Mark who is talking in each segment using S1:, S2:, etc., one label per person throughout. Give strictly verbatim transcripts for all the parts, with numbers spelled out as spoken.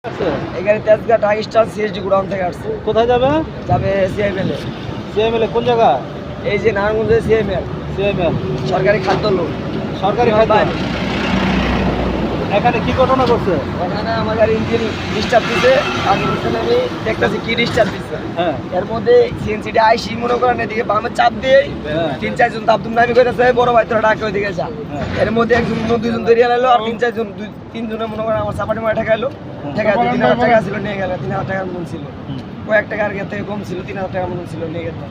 S1: এই গাড়ি Tejgaon Dhaka star CSD godown থেকে আসছে।
S2: কোথায় যাবে?
S1: যাবে সিএমএল এ।
S2: সিএমএল এ কোন জায়গা?
S1: এই যে নারায়ণগঞ্জে সিএমএল।
S2: সিএমএল
S1: সরকারি খাদ্য লোক।
S2: সরকারি খাদ্য। এখানে কি ঘটনা করছে?
S1: ওখানে আমার গাড়ি ইঞ্জিন ডিস্টার্ব দিছে। আমি বুঝতে আমি দেখতেছি কি ডিস্টার্ব দিচ্ছে।
S2: হ্যাঁ।
S1: এর মধ্যে সিএনসিটা আইসি মনে করেন এদিকে বামে চাপ দিয়ে তিন চারজন তাবদুম নামি করেছে, বড় ভাই তোরা ডাকে ওইদিকে যা। এর মধ্যে একজন দুইজন ধরিয়ে এলো আর তিন চারজন দুই তিনজনের মনে করেন আমার চাপাটি মারা ঠেকাইলো। ঠেকাই তিন হাজার টাকা ছিল নিয়ে গেল, তিন হাজার টাকার মতন ছিল। কয়েক টাকা আর থেকে কম ছিল, তিন হাজার টাকার মতন ছিল নিয়ে গেল।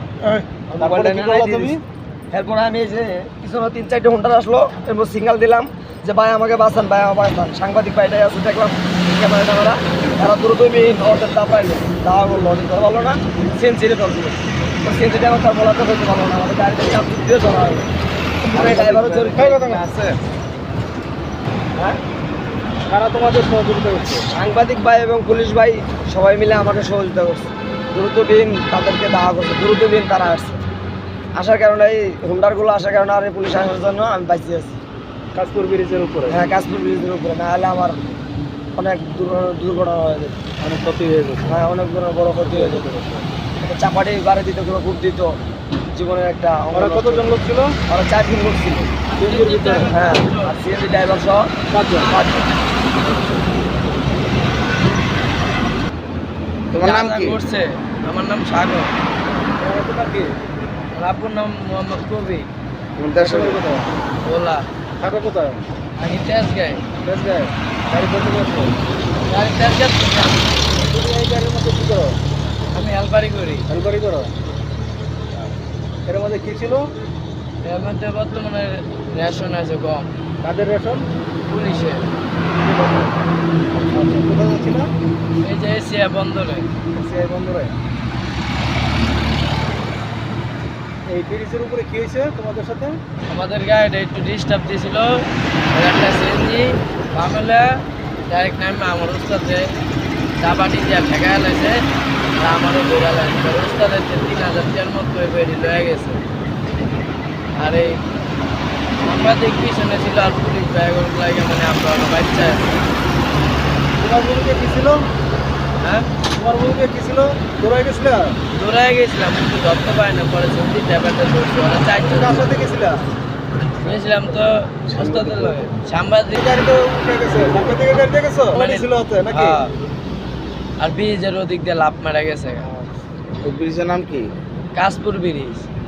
S1: এরপর আমি এই যে পিছনে তিন চারটে ঘন্টা আসলো, এরপর সিগন্যাল দিলাম যে ভাই আমাকে বাঁচান, ভাই আমার বাঁচান। সাংবাদিক ভাইটাই আছে দেখলাম ক্যামেরা ট্যামেরা, তারা দ্রুত ওদের দা পাইলো, দাওয়া করলো, ধরতে পারলো না, সিএনসিতে ধর দিল। সিএনসিটা আমার তার বলাতে ধরতে পারলো না, আমাদের গাড়িতে চাপ দিয়ে ধরা হলো। ড্রাইভারও জড়িত আছে। হ্যাঁ,
S2: কারা তোমাদের সহযোগিতা করছে?
S1: সাংবাদিক ভাই এবং পুলিশ ভাই সবাই মিলে আমাকে সহযোগিতা করছে। দ্রুত দিন তাদেরকে দাওয়া করছে, দ্রুত দিন তারা আসছে। আসার কারণে এই হুন্ডারগুলো আসার কারণে আর পুলিশ আসার জন্য আমি বাঁচিয়ে আছি।
S2: কাশপুর ব্রিজের উপরে?
S1: হ্যাঁ, কাশপুর ব্রিজের উপরে, না হলে আমার অনেক দুর্ঘটনা হয়ে যেত,
S2: অনেক ক্ষতি হয়ে যেত।
S1: হ্যাঁ, অনেক বড় ক্ষতি হয়ে যেত। চাপাটি বাড়ি দিত, কোনো খুব দিত, জীবনের একটা।
S2: ওরা কতজন লোক ছিল?
S1: ওরা চার দিন লোক ছিল
S2: সিএনজির ভিতরে।
S1: হ্যাঁ, আর সিএনজি ড্রাইভার সহ
S2: পাঁচজন।
S1: পাঁচজন।
S2: তোমার নাম কি?
S1: করছে আমার নাম সাগর।
S2: তোমার কি?
S1: আপনার নাম মোহাম্মদ কবি।
S2: কোথায়?
S1: ওলা।
S2: থাকো কোথায়?
S1: আমি তেজগাঁয়।
S2: তেজগাঁয়। গাড়ি করতে করছো?
S1: গাড়ি তেজগাঁ।
S2: তুমি এই গাড়ির মধ্যে কি করো?
S1: আমি হেলপারি করি।
S2: হেলপারি করো? এর মধ্যে কি ছিল?
S1: এর মধ্যে বর্তমানে রেশন আছে কম।
S2: কাদের রেশন?
S1: পুলিশে।
S2: কোথায় যাচ্ছিল?
S1: এই যে এশিয়া বন্দরে।
S2: এশিয়া বন্দরে। এই ব্রিজের উপরে কি হয়েছে তোমাদের সাথে?
S1: আমাদের গাড়িটা একটু ডিস্টার্ব দিয়েছিল, একটা সিএনজি বামেলা ডাইরেক্ট নামে আমার উস্তাদে চাপাটি দিয়ে ফেঁকা এলাইছে, আমারও ধরে লাগছে। উস্তাদের তিন হাজার টাকার মতো বেরিয়ে লয়ে গেছে। আর এই সাংবাদিক পিছনে ছিল আর পুলিশ ব্যাগর লাগে, মানে আমরা বাচ্চা।
S2: তোমার বউকে কি ছিল?
S1: হ্যাঁ,
S2: তোমার বউকে কি ছিল? দৌড়াই গেছিল?
S1: দৌড়ায় গেছিলাম, কিন্তু ধরতে পারি না। পরে সত্যি ব্যাপারটা ধরছি, ওরা চারজন।
S2: কার সাথে গেছিল?
S1: গেছিলাম তো ওস্তাদের লগে। সাংবাদিক
S2: গাড়ি তো উঠে গেছে। সামনে থেকে গাড়ি দিয়ে গেছো?
S1: মানে
S2: ছিল হতে নাকি?
S1: হ্যাঁ। আর ব্রিজের ওদিক দিয়ে লাফ মারা গেছে।
S2: ওই ব্রিজের নাম কি?
S1: কাশপুর ব্রিজ।